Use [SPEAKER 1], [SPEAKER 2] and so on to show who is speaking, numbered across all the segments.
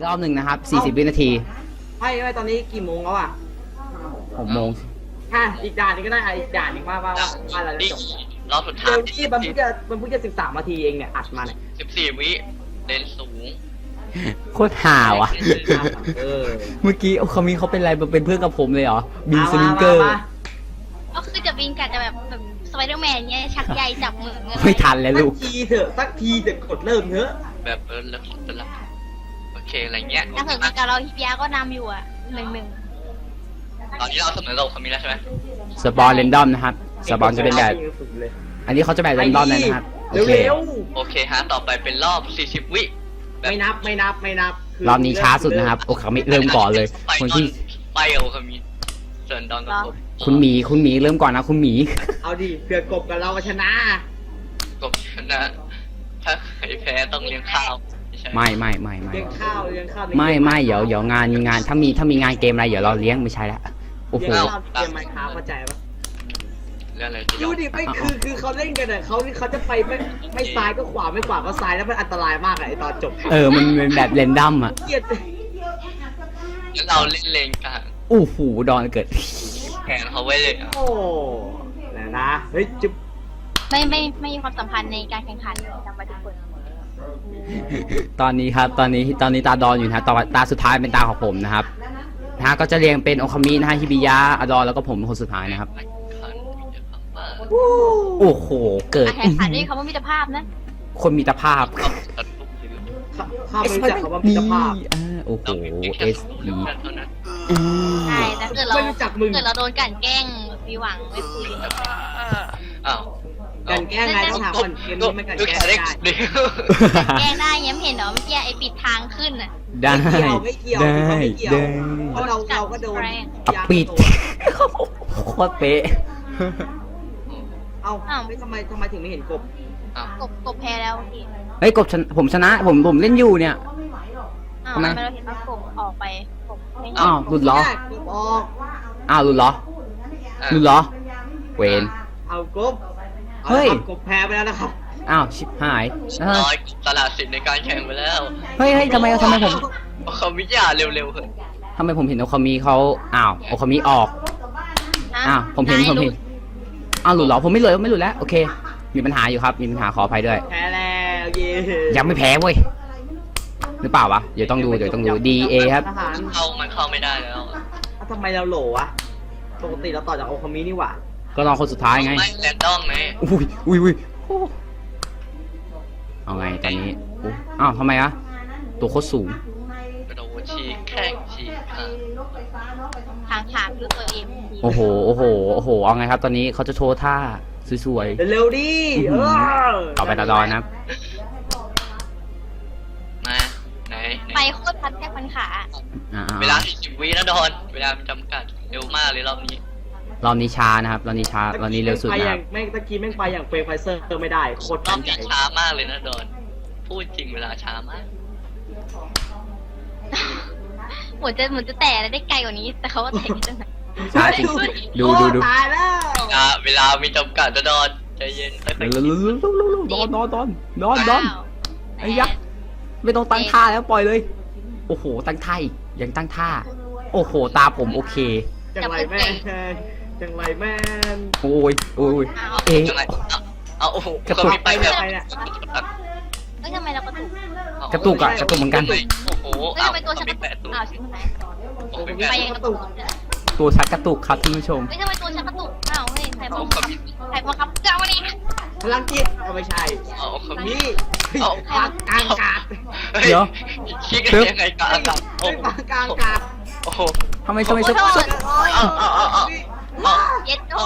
[SPEAKER 1] อบหนึ่งนะครับ40 วินาที
[SPEAKER 2] ไม่ตอนนี้กี่โมงแล้วอ่ะ
[SPEAKER 1] 6 โมง
[SPEAKER 2] อีกด่านนึงก็ได้อีกด่านนึงว่าเราจะจบ
[SPEAKER 3] รอบสุดท้า
[SPEAKER 2] เดี๋
[SPEAKER 3] ย
[SPEAKER 2] ยวที่มันเพิ่งจะ13 นาทีเองเนี่ยอัดมาเนี่ย
[SPEAKER 3] 14 วิเลนสูง
[SPEAKER 1] โคตรห่าวอ่ะ
[SPEAKER 2] เออ
[SPEAKER 1] เมื่อกี้เขามีเขาเป็นอะไรเป็นเพื่อนกับผมเลยเหรอบินสลิงเกอร์
[SPEAKER 4] ก็คือจะบินกันจะแบบสไปเดอร์แมนเงี้ยชักใยจับมือเงี้ย
[SPEAKER 1] ไม่ทันแล้ว
[SPEAKER 2] สั
[SPEAKER 1] ลู
[SPEAKER 2] ก
[SPEAKER 1] ก
[SPEAKER 2] ทีเถอะสักทีเถอะกดเริ่มเถอะ
[SPEAKER 3] แบบแล้วจะรับโอเคอะไรเงี้ย
[SPEAKER 4] ถ้าเกิดมีการเราฮิปยาก็นำอยู่อ่ะ1-1
[SPEAKER 3] ตอนนี้เราเสมอเราคามิแล้วใช่ไหม
[SPEAKER 1] สปอนเรนดอมนะครับสปอนจะเป็นแบบอันนี้เขาจะแบบเรนดอมเลยนะครับโอเค
[SPEAKER 2] เร็ว
[SPEAKER 3] โอเคฮะต่อไปเป็นรอบ 40 วิ
[SPEAKER 2] ๆไม่นับ
[SPEAKER 1] รอบนี้ช้าสุดนะครับโอเคเริ่มก่อนเลยคนที่
[SPEAKER 3] ไปเอาคามิเซิร์นดอนกับผม
[SPEAKER 1] คุณหมีเริ่มก่อนนะคุณหมี
[SPEAKER 2] เอาดิเผื่อกบกับเราชนะ
[SPEAKER 3] กบชนะถ้าใครแพ้ต้องเลี้ยงข้าวใช่
[SPEAKER 1] ไม่
[SPEAKER 2] เลี้ยงข้าว
[SPEAKER 1] ไม่เดี๋ยวงานถ้ามีงานเกมอะไรเดี๋ยวเราเลี้ยงไม่ใช่ละโอ้โห
[SPEAKER 2] เลี้ยงข้าวเกมไมค์ค้าเข้าใจปะ
[SPEAKER 3] เรื่องอะไรที่
[SPEAKER 2] ดูดิไม่คือเขาเล่นกันอ่ะเขาจะไปไม่ซ้ายก็ขวาไม่ขวาก็ซ้ายแล้วมันอันตรายมากอะไอตอนจบ
[SPEAKER 1] มันเป็นแบบเรนดอมอ่ะ
[SPEAKER 2] เกลียด
[SPEAKER 3] แล้วเราเล่นเลนกลาง
[SPEAKER 1] โอ้โหดอนเกิด
[SPEAKER 3] แข่งเขาไว้เลยอ่ะ
[SPEAKER 2] โอ้นะเฮ้ยจุ๊บ
[SPEAKER 4] ไม่มีความสัมพันธ์ในการแข่งขันจำไว้ทุกคน
[SPEAKER 1] ตอนนี้ครับตอนนี้ตาดอนอยู่นะฮะตาสุดท้ายเป็นตาของผมนะครับก็จะเรียงเป็นโอคามินะฮะฮิบิยะอดอนแล้วก็ผมคนสุดท้ายนะครับโอ้โหเกิด
[SPEAKER 4] การแข่งขันด้วยคำว่ามิตรภาพนะ
[SPEAKER 1] คนมีตรภาพ
[SPEAKER 2] ข้าไม่รู้จักคำว่ามิตรภาพ
[SPEAKER 1] โอ้โห S B
[SPEAKER 4] ใช่แต่เกิดเรา
[SPEAKER 2] ไม่รู้จักมึง
[SPEAKER 4] เกิดเราโดนกลั่นแกล้งมีหวังไม่คุย
[SPEAKER 3] อ้าว
[SPEAKER 2] กันแกล้งไงต้องถามก่อนเกมนี้มันกันแกล้งได้
[SPEAKER 4] แกล้งได้ยังไม่เห็นเหรอเมื่อกี้ไอ้ปิดทางขึ้นอ่ะ
[SPEAKER 1] ได้
[SPEAKER 2] ไม่เกี่ยว
[SPEAKER 1] ได้
[SPEAKER 2] เพราะเราก็โดน
[SPEAKER 1] เอาปิดโคตรเป๊ะ
[SPEAKER 2] เอ้าไม่ทำไมถึงไม่เห็นกบ
[SPEAKER 4] กบแพ้แล้วพี่
[SPEAKER 1] เฮ้ยกบผมชนะผมเล่นอยู่เนี่ย
[SPEAKER 4] อ้าว
[SPEAKER 1] ทำไม
[SPEAKER 4] ทำไมเราเห็นว่ากบออกไปกบไม่เห็น
[SPEAKER 1] อ้าวหลุดเหรอก
[SPEAKER 2] บออก
[SPEAKER 1] อ้าวหลุดเหรอเวน
[SPEAKER 2] เอากบ
[SPEAKER 1] เฮ้ย
[SPEAKER 2] กบแพ้ไปแล้วนะครับ
[SPEAKER 1] อ้าวชิบหาย
[SPEAKER 3] น้อยตลาดสินในการแข่งไปแล้ว
[SPEAKER 1] เฮ้ยทำไมผม
[SPEAKER 3] เขาวิทยาเร็วๆเถอะ
[SPEAKER 1] ทำไมผมเห็นโอคามิเขาอ้าวโอคามิออกอ้าวผมเห็นอ้าวหลุดเหรอผมไม่หลุดแล้วโอเค มีปัญหาอยู่ครับมีปัญหาขออภัยด้วย
[SPEAKER 2] แพ้แล้วเย่
[SPEAKER 1] ยังไม่แพ้เว้ยหรือเปล่าวะเดี๋ยวต้องดู DA ครับ
[SPEAKER 2] ทหาร
[SPEAKER 3] มันเข้าไม่ได้แล้ว
[SPEAKER 2] ทำไมเราโหลวะปกติเราต่อจากโอคามินี่หว่า
[SPEAKER 1] ก็ลองคนสุดท้ายไง
[SPEAKER 3] ไม่แรนดอมไหม
[SPEAKER 1] อุ้ยเอาไงตอนนี้อ้าวทำไมอะตัวโคตรสูง
[SPEAKER 3] กระโดดฉีกแข้งฉีกขา
[SPEAKER 4] ทางขาดด้วยตัวเอง
[SPEAKER 1] โอ้โหเอาไงครับตอนนี้เขาจะโชว์ท่าสวย
[SPEAKER 2] เร็วดิ
[SPEAKER 1] ๆต่อไปตาดอนนะครับ
[SPEAKER 3] มาไหน
[SPEAKER 4] ไปโคตรพัดแค่พันขา
[SPEAKER 3] เวลา40 วินะดอนเวลาจำกัดเร็วมากเลยรอบนี้
[SPEAKER 1] รอบนี้ช้านะครับรอบนี้เร็วสุดนะครับ
[SPEAKER 2] แม่งตะกี้แม่งไปอย่างเฟรมไฟเซอร์ไม่ได้โคตร
[SPEAKER 3] รอบนี้ช้ามากเลยนะดอนพูดจริงเวลาช้ามาก
[SPEAKER 4] เหมือนจะแตะได้ไกลกว่านี้แต่เขาว่าแตะนิดนึง
[SPEAKER 1] ช้าจริงดู
[SPEAKER 2] ตายแล้ว
[SPEAKER 3] เวลามีจำกัดนะดอนใจเย็นค่อยๆ
[SPEAKER 1] ดอนไอ้ยักษ์ไม่ต้องตั้งท่าแล้วปล่อยเลยโอ้โหตั้งท่าอีกยังตั้งท่าโอ้โหตาผมโอเค
[SPEAKER 2] จังไรแม่น
[SPEAKER 1] โอ้ยเอ๊ะ
[SPEAKER 3] ยังไงเอาโอ้โห
[SPEAKER 1] กระตุก
[SPEAKER 3] ไปแบบ
[SPEAKER 4] เฮ้ยทำไมเรากระตุก
[SPEAKER 1] กระตุกเหมือนกัน
[SPEAKER 3] โอ้โห
[SPEAKER 4] เฮ้ยทำไมตัวฉันกระตุกอ้าวชิบหาย ไปยังกระตุก
[SPEAKER 1] ตัวชักกระตุกครับท่านผู้ชม
[SPEAKER 4] เฮ้ยทำไมตัวฉันกระตุกอ้าวเฮ้ยใครบังคับเจ้าเนี่ย
[SPEAKER 2] พลังจิตก็ไม่ใช่
[SPEAKER 3] เอาคำนี้
[SPEAKER 2] นี่ปากกลางกาด
[SPEAKER 1] เดี๋ยว
[SPEAKER 3] คิดกันยังไงกลางอากาศ
[SPEAKER 2] ปากกลางกาด
[SPEAKER 3] โอ้โห
[SPEAKER 1] ทำไม
[SPEAKER 4] โทษ
[SPEAKER 3] เอา
[SPEAKER 4] เย็ดโอ้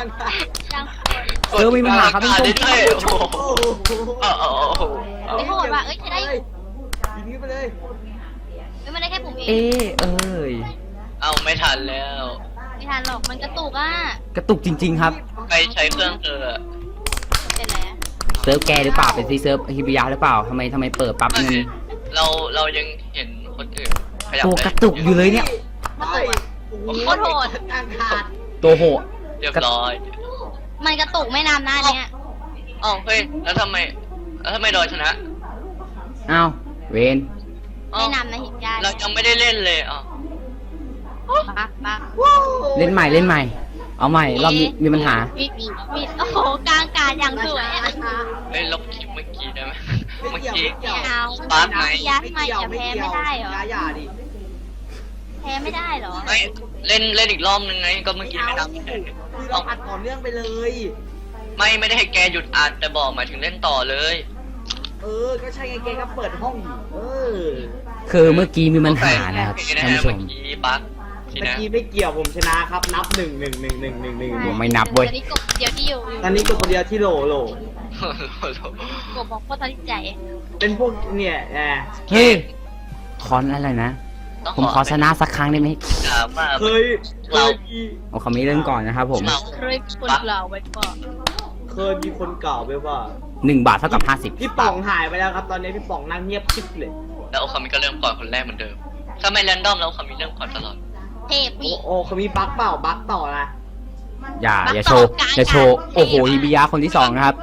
[SPEAKER 4] ยัง
[SPEAKER 1] มีปัญหาครับท่านผู้ชม
[SPEAKER 3] โอ้โหเอา
[SPEAKER 4] ไม่โหดว่ะเอ้ยใช้ได้
[SPEAKER 2] ยิงนี้ไปเลย
[SPEAKER 4] ไม่ได้แค่ผมเอง
[SPEAKER 1] เอ้ย
[SPEAKER 3] เอาไม่ทันแล้ว
[SPEAKER 4] ไม่ทันหรอกมันกระตุกอ่ะ
[SPEAKER 1] กระตุกจริงๆครับ
[SPEAKER 3] ไปใช้เครื่องเธอ
[SPEAKER 4] เป็นไร
[SPEAKER 1] เซิร์ฟแกหรือเปล่าเป็นซีเซิร์ฟฮิบิยะหรือเปล่าทำไมเปิดปั๊บมัน
[SPEAKER 3] เรายังเห็นคนอื่นขยับ
[SPEAKER 1] ตัวกระตุกอยู่เลยเนี่ย
[SPEAKER 4] โคตรโหด
[SPEAKER 2] กลางกาด
[SPEAKER 1] ตัวโหด
[SPEAKER 3] เรียบร้อย
[SPEAKER 4] มันกระตุกไม่นานหน้าเนี้ย
[SPEAKER 3] อ๋อเฮ้ยแล้วทำไมดอยชนะ
[SPEAKER 1] อ้าวเวน
[SPEAKER 3] เอ้า
[SPEAKER 4] แนะนำนะหินยา
[SPEAKER 3] เรายังไม่ได้เล่นเลยอ่ะ
[SPEAKER 4] ปัก
[SPEAKER 1] เล่นใหม่เล่นใหม่ เอาใหม่รอบนี้มีปัญหา
[SPEAKER 4] มีโอ้โหกลางการอย่างสวยอะ
[SPEAKER 3] เฮ้ยลบคลิปเมื่อกี้ได้ไหม
[SPEAKER 2] ไม่
[SPEAKER 3] เมื่อ
[SPEAKER 2] เกี่ยว
[SPEAKER 3] กี้
[SPEAKER 2] ไม่เกี่ยว
[SPEAKER 4] ไม่เอา
[SPEAKER 3] ปาร์คไหน
[SPEAKER 4] ยัดใหม่จะแพ้ไม่ได้เหรอ
[SPEAKER 2] อย่าดิ
[SPEAKER 4] แพ้ไม่ได้เหรอ
[SPEAKER 3] ไม่เล่นอีกรอบนึงไงก็เมื่อกี้
[SPEAKER 2] เอา
[SPEAKER 3] ไม่ท
[SPEAKER 2] คือเราอัดต่อเนื่องไปเลย
[SPEAKER 3] ำไม่ได้ให้แกหยุดอัดแต่บอกหมายถึงเล่นต่อเลย
[SPEAKER 2] ก็ใช่ไงเกก็เปิดห้องอยู่
[SPEAKER 1] คือเมื่อกี้มีปัญหานะครับท่านผู้ช
[SPEAKER 3] เมื่อ
[SPEAKER 1] ม
[SPEAKER 3] กี้บั๊กที
[SPEAKER 2] เมื่อ
[SPEAKER 3] นะ
[SPEAKER 2] กี้ไม่เกี่ยวผมชนะครับ นับ1 1 1 1 1
[SPEAKER 1] ผมไม่นับเว้ย
[SPEAKER 4] ตอนนี้กบเดียวที่อยู่
[SPEAKER 2] 1ตอนนี้ก็คนเดียวที่โหล
[SPEAKER 4] กบบอกโคตรทันใจ
[SPEAKER 2] เป็นพวกเนี่ยแหม
[SPEAKER 1] เฮ้ยคอนอะไรนะ ผมขอชนะสักครั้งได้ไหม
[SPEAKER 3] ถามว่า
[SPEAKER 2] เคยมี
[SPEAKER 1] เอาคำนี้เริ่มก่อนนะครับผม
[SPEAKER 4] เคยคนกล่าวไว้ก่อน
[SPEAKER 2] เคยมีคนกล่าวไว้ว่า
[SPEAKER 1] 1 บาทเท่ากับ
[SPEAKER 2] พี่ป๋องหายไปแล้วครับ ตอนนี้พี่ป๋องนั่งเงียบชิบเลย
[SPEAKER 3] แล้วโอคามิก็เริ่มก่อนคนแรกเหมือนเดิมถ้าไม่แรนดอมแล้วโอคามิเริ่มก่อนตลอด
[SPEAKER 4] เทพอีก
[SPEAKER 2] โอ้เขามีบั๊กเปล่าบั๊กต่อนะ
[SPEAKER 1] 50อย่าโชว์อย่าโชว์โอ้โหฮิบิยะคนที่ 2 นะครับ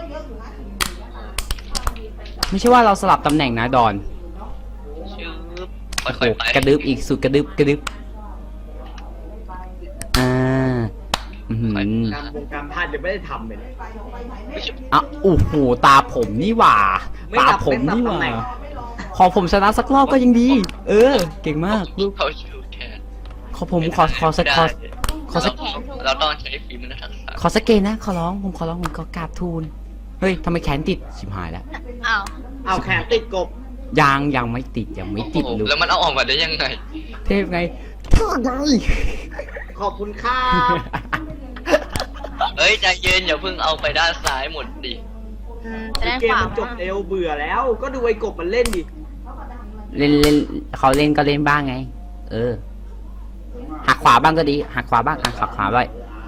[SPEAKER 1] ไม่ใช่ว่าเราสลับตำแหน่งนะดอน
[SPEAKER 3] ชื่อ
[SPEAKER 1] โอ้โห
[SPEAKER 3] ค่อยๆไป
[SPEAKER 1] กระดึบอีกสุดกระดึบอื้อหือ
[SPEAKER 2] การพลาดยังไม่ได้ทำเลย
[SPEAKER 1] อ่ะโอ้โหตาผมนี่หว่า
[SPEAKER 2] ไม่
[SPEAKER 1] ตา
[SPEAKER 2] นับ
[SPEAKER 1] ผมนี่ห
[SPEAKER 2] ไม่
[SPEAKER 1] ว่า
[SPEAKER 2] นับตำแหน่ง
[SPEAKER 1] ขอผมชนะสักรอบก็ยังดี เก่งมากลูก
[SPEAKER 3] เขาชูแทน
[SPEAKER 1] ขอผมขอสัก
[SPEAKER 3] เราต้องใช้ฝีมือและทักษะ
[SPEAKER 1] ขอสักเกณฑ์นะขอร้องผมขอกราบทูลเฮ้ยทำไมแขนติดชิบหายแล้ว
[SPEAKER 4] อ้าว
[SPEAKER 2] เอาแขนติดกบ
[SPEAKER 1] ยังไม่ติดลูก
[SPEAKER 3] แล้วมันเอาออกมาได้ยังไง
[SPEAKER 1] เทพไง
[SPEAKER 2] ขอบคุณครับ
[SPEAKER 3] เฮ้ยใจเย็นอย่าเพิ่งเอาไปด้านซ้ายหมดดิ
[SPEAKER 4] จะได้
[SPEAKER 2] เกม
[SPEAKER 4] ขวา
[SPEAKER 2] มันจบเร็วเบื่อแล้ว ก็ดูไอ้กบมันเล่นดิ
[SPEAKER 1] เล่นเขาเล่นก็เล่นบ้างไง หักขวาบ้างก็ดีหักขวาบ้างหักขวาไว้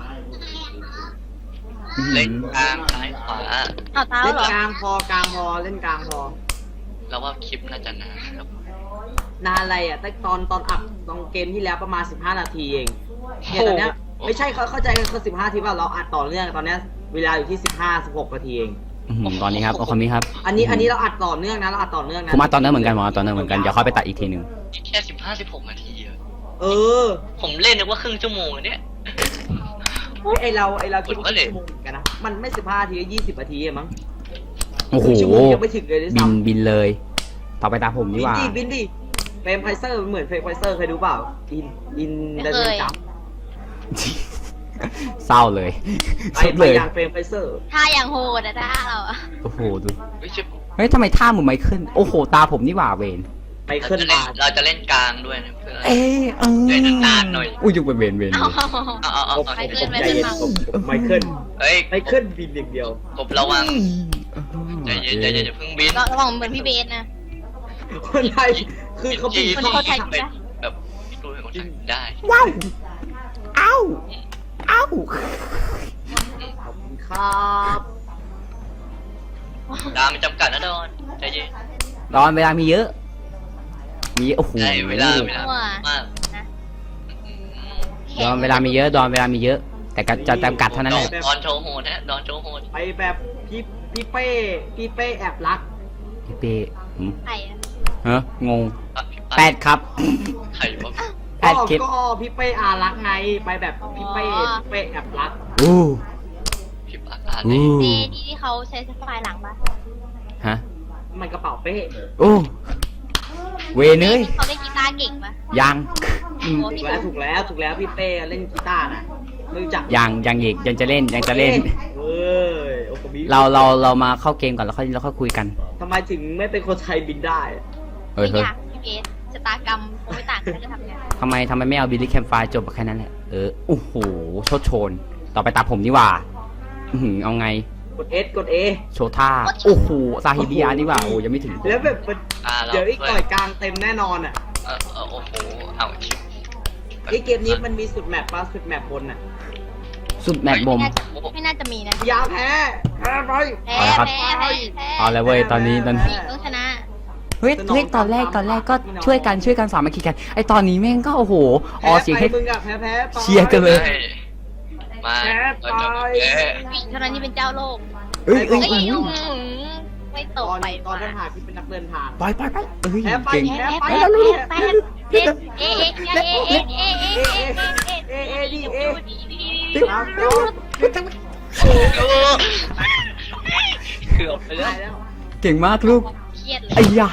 [SPEAKER 3] เล่นกลางซ้ายขวา
[SPEAKER 4] เอาเท้า
[SPEAKER 2] เล่น
[SPEAKER 4] เหรอก
[SPEAKER 2] ลางพเล่นกลางพอ
[SPEAKER 3] เราว่าคลิปน่าจะนานครับ
[SPEAKER 2] นานอะไรอ่ะแต่ตอนอัดตอนเกมที่แล้วประมาณ15 นาทีเองเนี่ยตอนเนี้ยไม่ใช่เข้าใจกันคือ15 นาทีว่าเราอัดต่อเนื่องตอนเนี้ยเวลาอยู่ที่16 นาทีเอง
[SPEAKER 1] ตอนนี้ครับโอคามิครับ
[SPEAKER 2] อันนี้เราอัดต่อเนื่องนะเราอัดต่อเนื่องนะ
[SPEAKER 1] ผมมาตอนนั้นเหมือนกันเดี๋ยวค่อยไปตัดอีกทีหนึ่ง
[SPEAKER 3] แค่15-16 นาทีอะ
[SPEAKER 2] เออ
[SPEAKER 3] ผมเล่นนึกว่าครึ่งชั่วโมงอะเนี่ย
[SPEAKER 2] ไอเราคิดว่าชั่วโมงกันนะมันไม่15 นาทีก็20 นาทีเองมั้ง
[SPEAKER 1] โอ้โห
[SPEAKER 2] ชั่วโมงยังไม่ถึงเลยด้วยซ้ำ
[SPEAKER 1] บินเลย ต่อไปตาผมดีกว่า
[SPEAKER 2] บินดิเฟรมไพเซอร์เหมือนเฟรมไพเซอร์เคยดูเปล่าบินได้เลยจับ
[SPEAKER 1] เศร้าเลย
[SPEAKER 2] ไป
[SPEAKER 1] สุดเลย
[SPEAKER 2] อย่างเฟรมไพเซอร์
[SPEAKER 4] ท่าอย่างโหดอะท่าเราอะ
[SPEAKER 1] โอ้โหดู
[SPEAKER 3] ไม่ใช่
[SPEAKER 1] เฮ้ยทำไมท่าเหมือนไมเคิลโอ้โหตาผมนี่หว่าเวน
[SPEAKER 2] ไปขึ้นมา
[SPEAKER 3] เราจะเล่นกลางด้วยนะเพื่อน
[SPEAKER 1] เล่
[SPEAKER 3] นนานๆหน่อย
[SPEAKER 1] อุ้ยยุบไปเวน
[SPEAKER 4] เอา
[SPEAKER 3] เอา
[SPEAKER 2] ใจเย็นไมเคิล
[SPEAKER 3] เฮ้ย
[SPEAKER 2] ไมเคิลบินอย่างเดียว
[SPEAKER 3] กบระวังใจเย็นอย่าเพิ่งบิน
[SPEAKER 4] ระวังเหมือนพี่เบสนะ
[SPEAKER 2] คนไทยคือเขาบิน
[SPEAKER 4] คนเขาไทย
[SPEAKER 3] เป็นแบบพี่ตูนเป็นคนไทยได้
[SPEAKER 1] ว้าวเอ้า
[SPEAKER 2] ขอบคุณครับ
[SPEAKER 3] ดาวมันจำกัดนะดอนใจเย็น
[SPEAKER 1] ดอนเวลามีเยอะโอ้โห
[SPEAKER 3] ได้เวลามาก
[SPEAKER 1] ดอนเวลามีเยอะ แต่ก็จะจำกัดเท่านั้นแหละ
[SPEAKER 3] ดอนโชว์โหดนะดอนโชว์โหด
[SPEAKER 2] ไปแบบพี่เป้แอบรัก
[SPEAKER 1] พี่เป้
[SPEAKER 4] ไข่อะ
[SPEAKER 1] ฮะงง
[SPEAKER 3] พี่
[SPEAKER 1] 8 ครับ
[SPEAKER 3] ไข่วะ
[SPEAKER 1] 8 คลิป
[SPEAKER 2] ก็พี่เป้อารักไงไปแบบพี่เป้แอบรัก
[SPEAKER 1] อู้
[SPEAKER 3] พี่ปากอ่าน
[SPEAKER 1] อู้
[SPEAKER 4] เจดีที่เขาใช้สไฟล์หลังปะ
[SPEAKER 1] ฮะ
[SPEAKER 2] มันกระเป๋าเป้
[SPEAKER 1] โอ้เวเนย
[SPEAKER 4] เขาเล่นกีตาร์เก่งปะ
[SPEAKER 1] ยัง
[SPEAKER 4] โอ้
[SPEAKER 2] ถูกแล้วพี่เป้เล่นกีตาร์นะไม่รู้จัก
[SPEAKER 1] ยังอีกยังจะเล่น
[SPEAKER 2] เฮ้ยโอ้โห
[SPEAKER 1] เรามาเข้าเกมก่อนแล้วค่อยคุยกัน
[SPEAKER 2] ทำไมถึงไม่เป็นคนไทยบินได้
[SPEAKER 4] ไม่อยากพี่เบสชะตากรรมไม่ต่างกันจะทำไง
[SPEAKER 1] ทำไมไม่เอาบิลลี่แคมไฟจบแค่นั้นแหละโอ้โหโชนต่อไปตาผมนี่หว่าเอาไง
[SPEAKER 2] กด S กด A
[SPEAKER 1] โชท่าโอ้โหซาฮิบิยานี่หว่าโอ้ยังไม่ถึง
[SPEAKER 2] แล้วแบบมันเดี๋ยวอีกต่อยกลางเต็มแน่นอนอ่ะ
[SPEAKER 3] โอ้โหเอาชิป
[SPEAKER 2] ไอเกมนี้มันมีสุดแมปป่ะสุดแมปบนอ่ะ
[SPEAKER 1] สุดแมตช์บม
[SPEAKER 4] ไม่น่าจะมีนะ
[SPEAKER 2] ยาแพ้ไป
[SPEAKER 4] แพ้
[SPEAKER 1] เอาละครับ
[SPEAKER 4] แพ้
[SPEAKER 1] เอาเลยเว้ยตอนนี้
[SPEAKER 4] ต้องชนะ
[SPEAKER 1] เฮ้ยตอนแรกก็ช่วยกันสามัคคีกันไอตอนนี้แม่งก็โอ้โหออเสียงให้
[SPEAKER 2] มึงอะแพ้ไป
[SPEAKER 1] เชียร์กันเลย
[SPEAKER 3] มา
[SPEAKER 4] วิ่งเท่านั้นนี่เป็นเจ้าโลก
[SPEAKER 1] เอ้ย
[SPEAKER 4] เอ้ยไม่ต
[SPEAKER 2] ต
[SPEAKER 4] ก
[SPEAKER 2] อน
[SPEAKER 4] ไป
[SPEAKER 2] ตอนทหารที่เป็นนักเดินทาง
[SPEAKER 1] ไปเอ้ย
[SPEAKER 2] แพ้ไป
[SPEAKER 1] เก่ง
[SPEAKER 2] แพ้ไป
[SPEAKER 4] เอ๊ะเอ๊ะเอ๊ะเอ๊ะเอ๊ะเอ๊ะเอ๊ะ
[SPEAKER 2] เอดีเอ
[SPEAKER 1] ติ๊บ
[SPEAKER 2] ครับ
[SPEAKER 3] เกือบไปแล้ว
[SPEAKER 2] ได้แล้ว
[SPEAKER 1] เก่งมากลูก
[SPEAKER 4] เครียดเล
[SPEAKER 1] ไอ้
[SPEAKER 4] ย
[SPEAKER 1] ยา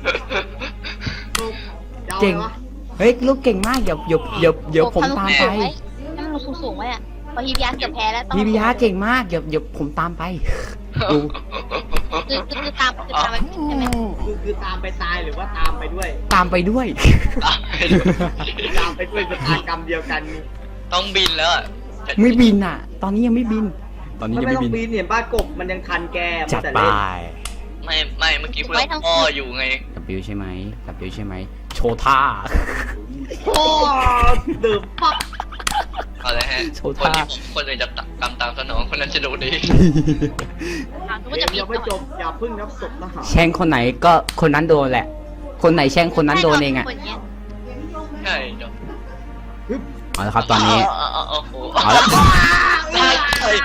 [SPEAKER 1] เก่ง เฮ้ยลูกเก่งมากเดี๋ยวผมตามไป
[SPEAKER 4] นั่งลงสูงๆไว้อะพอฮิบิยาเกือบแพ้แล้วต้อง
[SPEAKER 1] พี่พิยาเก่งมากเดี๋ยวผมตามไปดู
[SPEAKER 4] คือตามไปใช่ไหม
[SPEAKER 2] คือตามไปตายหรือว่าตามไปด้วย
[SPEAKER 1] ตามไปด้วย
[SPEAKER 2] ตามไปด้วยชะตากรรมเดียวกัน
[SPEAKER 3] ต้องบินแล้วอะ
[SPEAKER 1] ไม่บินอ่ะ ตอนนี้ยังไม่บิน ตอนนี้
[SPEAKER 2] มัน
[SPEAKER 1] ยัง
[SPEAKER 2] ไม่
[SPEAKER 1] ไม่
[SPEAKER 2] ต้อง
[SPEAKER 1] บิน
[SPEAKER 2] ปีนเห็นป้ากบมันยังทันแก
[SPEAKER 1] จัด
[SPEAKER 2] แต่
[SPEAKER 1] ไป
[SPEAKER 2] เล่น
[SPEAKER 3] ไม่เมื่อกี้พูดว่าพ่ออยู่ไง
[SPEAKER 1] W ใช่ไหม W ใช่ไหมโชว์ท่า
[SPEAKER 2] โอ้เดือบปัก
[SPEAKER 3] เอาเลยฮะ
[SPEAKER 1] โชว์
[SPEAKER 3] คน
[SPEAKER 1] ท่า
[SPEAKER 3] ที่คนอื่นจะตามสนองคนนั้นจะโดนดี
[SPEAKER 4] ก็จะ
[SPEAKER 2] เดี๋ยวไม่จบอย่าพึ่งนับศพทหาร
[SPEAKER 1] แช่งคนไหนก็คนนั้นโดนแหละ คนไหนแช่งคนนั้นโดนเองอ่ะ
[SPEAKER 3] ใช่เดี๋ยว
[SPEAKER 1] เอาละครับตอนนี้
[SPEAKER 3] โอ้โห
[SPEAKER 1] เอาละ
[SPEAKER 3] ลากถอย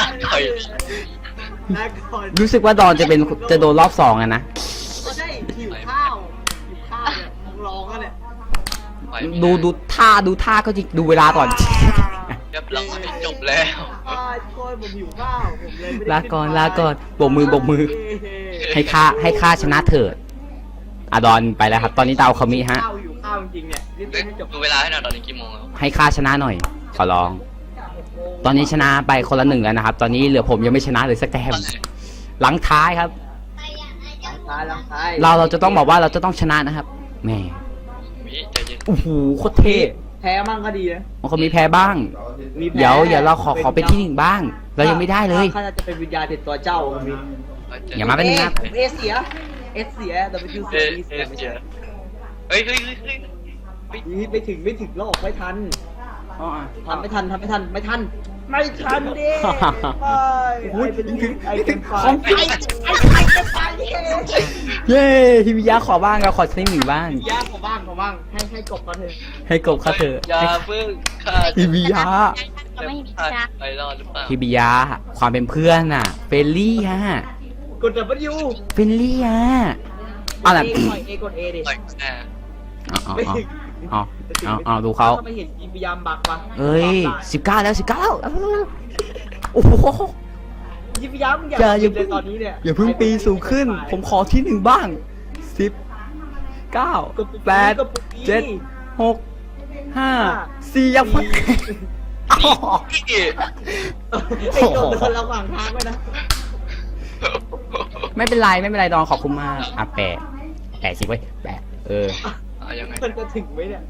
[SPEAKER 2] นะก่อน
[SPEAKER 1] รู้สึกว่าดอนจะโดนรอบสองอะนะ
[SPEAKER 2] ก็ได้หิวข้าวเนี่ยร้องกันเนี่ย
[SPEAKER 1] ดูท่าก็จริงดูเวลาก่อน
[SPEAKER 3] เรียบร้อยจบแล้ว
[SPEAKER 2] โอยผมหิวข้าวผมเลยไม่ได้
[SPEAKER 1] ลาก่อนโบกมือ ให้ข้าชนะเถิดอะดอนไปแล้วครับ ตอนนี้ดาวเขามีฮะ
[SPEAKER 2] ข้าวหิวข้าวจริงๆเนี่ยรีบให้จบ
[SPEAKER 3] ดูเวลาให้หน่อยตอนนี้กี่โมงแล้ว
[SPEAKER 1] ให้ข้าชนะหน่อย ขอร้อง ตอนนี้ชนะไปคนละหนึ่งแล้วนะครับ ตอนนี้เหลือผมยังไม่ชนะเลยสักแต้มหลังท้ายครับ
[SPEAKER 2] ล้างท้าย
[SPEAKER 1] เราจะต้องบอกว่าเราจะต้องชนะนะครับแหม่
[SPEAKER 3] วิใจเย็น
[SPEAKER 1] โอ้โหโคตรเท่
[SPEAKER 2] แพ้มั่งก็ดีนะ
[SPEAKER 1] มันก็มีแพ้บ้าง
[SPEAKER 2] มีแพ้
[SPEAKER 1] เดี๋ยวเราขอเป็นที่หนึ่งบ้าง เรายังไม่ได้เลย
[SPEAKER 2] ข้าจะเป็นวิญญาณติดตัวเจ้ามี
[SPEAKER 1] อย่ามาเป็นงับ
[SPEAKER 2] เอเสียแต่เป็นคิว
[SPEAKER 3] เอ
[SPEAKER 2] เสีย
[SPEAKER 3] เจอเฮ้ย
[SPEAKER 2] ไม่ถึงหรอกไม่ทันทำไม่ทันไม่ทันดิไอ้เป็นไฟ
[SPEAKER 1] เย้ฮิวิยะขอบ้างเราขอสักหนึ่งบ้าง
[SPEAKER 2] ยากกว่าบ้างให้กบกันเถอะ
[SPEAKER 1] ให้กบเขาเถอะ
[SPEAKER 3] อย่าเพิ่งฆ่า
[SPEAKER 1] ฮิวิยะ
[SPEAKER 4] ก็ไม่ฮิบิยา
[SPEAKER 3] ไปรอดหรือเปล่า
[SPEAKER 1] ฮิบิยะความเป็นเพื่อนน่ะเฟรนลี่ฮะ
[SPEAKER 2] กด W
[SPEAKER 1] เฟรนลี่ฮะเอาล่ะ
[SPEAKER 2] กด A ดิ
[SPEAKER 3] ต่อยแน่
[SPEAKER 2] ไม่ถึง
[SPEAKER 1] เอาดูเขา
[SPEAKER 2] ไม่เห็นพยายามบักวะ
[SPEAKER 1] เอ้ย19แล้วโอ้โห
[SPEAKER 2] ยิบยามอย่าเลยตอนนี้เนี่ย
[SPEAKER 1] อย่าเพิ่งปีนสูงขึ้น ผมขอที่หนึ่งบ้าง10 9 8 7 6 5 4ยังไม่
[SPEAKER 3] พี่
[SPEAKER 2] ไอ้โดนระหว่างทางไว้นะ
[SPEAKER 1] ไม่เป็นไรดอนขอบคุณมากอ่ะแปะสิไว้แปะ
[SPEAKER 3] ยังไง
[SPEAKER 2] มันจะถึงไหมเนี่ย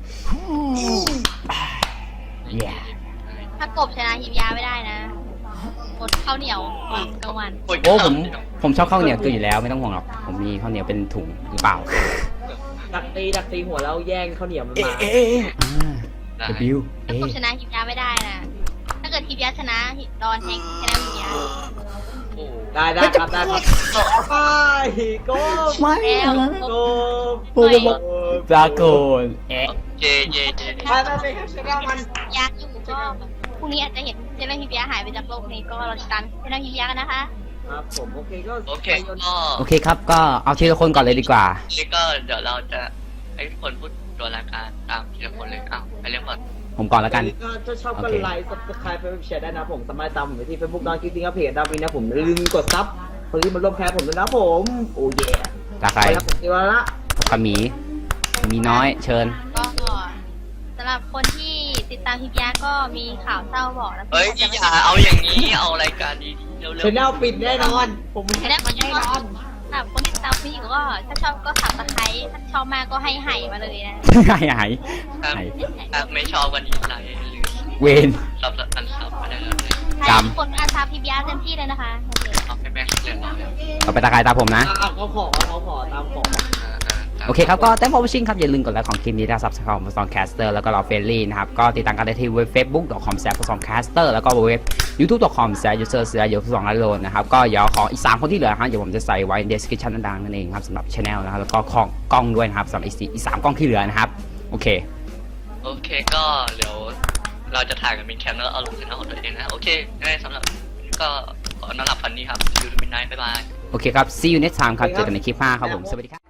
[SPEAKER 1] เย้
[SPEAKER 4] ถ้ากบชนะฮิบิยาไม่ได้นะอดข้าวเหนียวกลางวัน
[SPEAKER 1] โอ้ผมชอบข้าวเหนียวเกินอยู่แล้วไม่ต้องห่วงหรอกผมมีข้าวเหนียวเป็นถุงหรือเปล่า
[SPEAKER 2] ดักตีหัวแล้วแย่งข้าวเหนียวมันมา
[SPEAKER 1] W
[SPEAKER 4] ถ้ากบชนะฮิบิยาไม่ได้นะถ้าเกิดฮิบิยาชนะดอนแฮงชนะฮิบิยา
[SPEAKER 2] ได้ครับไปโก้
[SPEAKER 1] ไม่
[SPEAKER 2] โก้
[SPEAKER 1] โอ้โหดราโกน
[SPEAKER 3] เจ
[SPEAKER 2] ไปชนะมัน
[SPEAKER 4] ยากอยู่ก็พรุ่งนี้อาจจะเห็นเจนฮิบิยาหายไปจากโลกนี้ก็เราจะตามเจนฮิบิยากันนะคะ
[SPEAKER 2] ครับผมโอเคก็
[SPEAKER 1] โอเคครับก็เอาทีละคนก่อนเลยดีกว่า
[SPEAKER 3] นี่ก็เดี๋ยวเราจะให้คนพูดตัวรายการตามทีละคนเลยอ้าวไปเรียกก่อน
[SPEAKER 1] ผมก่อนแล้วกัน
[SPEAKER 2] ถ้าชอบก็ไลค์ subscribe ไปแชร์ได้นะผมสามารถตามผมไปที่ Facebook ดอนคิดติ้งเพจดาวินนะผมลืมกดซับคนที่มาร่วมแคร์ผมด้วยนะผมโอ้เย่
[SPEAKER 1] จากใคร
[SPEAKER 2] ไปครับผมเดี๋ยวละ
[SPEAKER 1] กระหมีน้อยเชิญ
[SPEAKER 4] ก็สำหรับคนที่ติดตามฮิบิยาก็มีข่าวเศร้าบอกนะ
[SPEAKER 3] เฮ้ยอย่าเอาอย่างนี้เอารายการดีๆเร็ว
[SPEAKER 2] ชแนลปิดแน่นอนผม
[SPEAKER 4] ไม่ได้คนที่ก็สำหรับคนที่ติดตามพี่ก็ถ้าชอบก็สับตะไคร้ถ้าชอบมากก็ให้ไห่มาเลยนะ
[SPEAKER 1] หาย
[SPEAKER 3] ถ้าไม่ชอบกันดีไลค์หรือ
[SPEAKER 1] เวน
[SPEAKER 3] ซับอันซับมาได้เลย
[SPEAKER 1] จำ
[SPEAKER 4] ทุกคนอาซาฮิบิยาเต็มที่เลยนะคะ
[SPEAKER 3] เอาให้แม่เรียนร้อย
[SPEAKER 1] ต่อไปตาใครตาผมนะ
[SPEAKER 2] เขาขอตามขอ
[SPEAKER 1] โอเคครับก็แต้มพอชิงครับอย่าลืมกดไลค์ของคลิปนี้นะครับซับสไครต์ของซองแคสเตอร์แล้วก็เราเฟรนลี่นะครับก็ติดตามกันได้ที่เว็บ facebook.com/songcaster แล้วก็เว็บ youtube.com/user2 นะครับก็เดี๋ยวขออีก3คนที่เหลือครับเดี๋ยวผมจะใส่ไว้ใน description ด้านล่างนั่นเองครับสำหรับ channel นะครับแล้วก็ของกล้องด้วยนะครับสำหรับอีก3กล้องที่เหลือนะครับโอเค
[SPEAKER 3] โอเคก็เดี๋ยวเราจะถ่ายกันเป็นแคมแล้วเอาลงชแนลของตัวเองนะโอเคงั้นสำหรับก็ขอนอนหลับฝันดีครับยูทูบมินไนท์บ๊ายบาย
[SPEAKER 1] โอโอเคครับ see you next time ครับ เจอกันในคลิปหน้าครับผม สวัสดีครับ